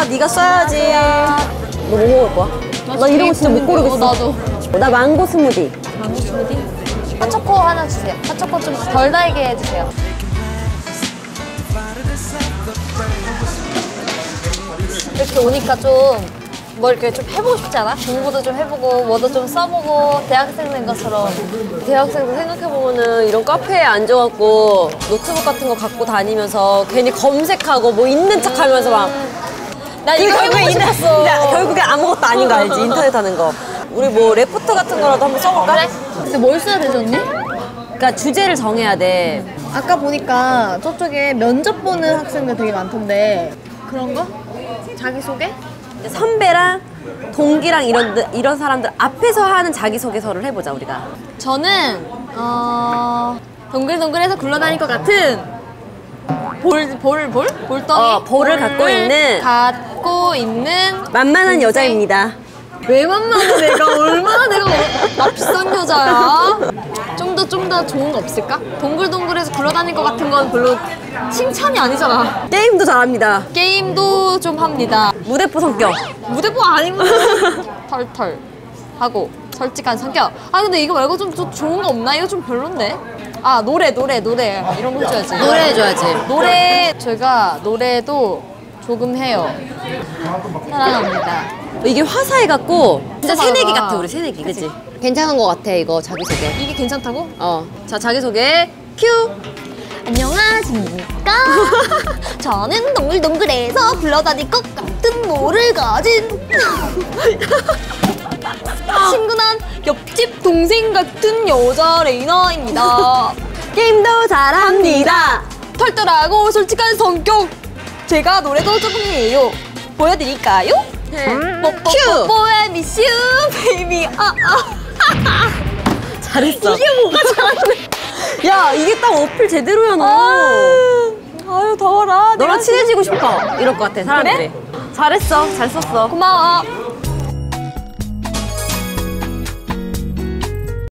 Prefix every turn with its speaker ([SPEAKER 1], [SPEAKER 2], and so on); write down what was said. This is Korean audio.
[SPEAKER 1] 네가 써야지. 너 뭐 먹을 거야? 나 이런 거 진짜 못 고르겠어.
[SPEAKER 2] 나도.
[SPEAKER 1] 나 망고 스무디.
[SPEAKER 2] 망고 스무디? 핫초코 하나 주세요. 핫초코 좀 덜 달게 해주세요. 이렇게 오니까 좀 뭐 이렇게 좀 해보고 싶지 않아? 공부도 좀 해보고 뭐도 좀 써보고 대학생 된 것처럼.
[SPEAKER 1] 대학생도 생각해보면은 이런 카페에 앉아갖고 노트북 같은 거 갖고 다니면서 괜히 검색하고 뭐 있는 척 하면서 막.
[SPEAKER 2] 난 이거 해보고 싶었어.
[SPEAKER 1] 결국에 아무것도 아닌 거 알지? 인터넷 하는 거. 우리 뭐 레포트 같은 거라도 한번 써볼까?
[SPEAKER 2] 그래? 근데 뭘 써야 되지 언니?
[SPEAKER 1] 그러니까 주제를 정해야 돼.
[SPEAKER 3] 아까 보니까 저쪽에 면접 보는 학생들 되게 많던데 그런 거? 자기소개?
[SPEAKER 1] 선배랑 동기랑 이런 사람들 앞에서 하는 자기소개서를 해보자 우리가.
[SPEAKER 2] 저는 동글동글해서 굴러다닐 것 같은 볼덩이?
[SPEAKER 1] 볼을
[SPEAKER 2] 갖고 있는
[SPEAKER 1] 만만한 여자입니다.
[SPEAKER 2] 왜 만만해 내가 얼마나 나 비싼 여자야? 좀 더 좋은 거 없을까? 동글동글해서 굴러다닐 것 같은 건 별로 칭찬이 아니잖아.
[SPEAKER 1] 게임도 잘합니다.
[SPEAKER 2] 게임도 좀 합니다.
[SPEAKER 1] 무대포 성격.
[SPEAKER 2] 무대뽀 아니고 털털 하고 솔직한 성격. 아 근데 이거 말고 좀 좋은 거 없나? 이거 좀 별론데? 아 노래 이런 거 해줘야지.
[SPEAKER 1] 노래 해줘야지.
[SPEAKER 2] 노래 제가 노래도 조금 해요. 사랑합니다.
[SPEAKER 1] 이게 화사해갖고 진짜
[SPEAKER 2] 맞아.
[SPEAKER 1] 새내기 같아. 우리 새내기. 그치? 괜찮은 거 같아 이거 자기소개.
[SPEAKER 2] 이게 괜찮다고?
[SPEAKER 1] 자 자기소개 큐.
[SPEAKER 2] 안녕하십니까? 저는 동글동글해서 굴러다닐 것 같은 모를 가진 친근한 옆집 동생 같은 여자 레이나입니다.
[SPEAKER 1] 게임도 잘합니다.
[SPEAKER 2] 털털하고 솔직한 성격. 제가 노래도 조금 해요. 보여드릴까요?
[SPEAKER 1] 큐!
[SPEAKER 2] 뽀뽀뽀뽀 미스 유 베이비.
[SPEAKER 1] 잘했어.
[SPEAKER 2] 이게 뭐가 잘하네.
[SPEAKER 1] 야 이게 딱 어필 제대로야 너.
[SPEAKER 2] 아유 더워라.
[SPEAKER 1] 너랑 친해지고 싶어 이럴 것 같아 사람들이. 잘했어. 잘 썼어.
[SPEAKER 2] 고마워.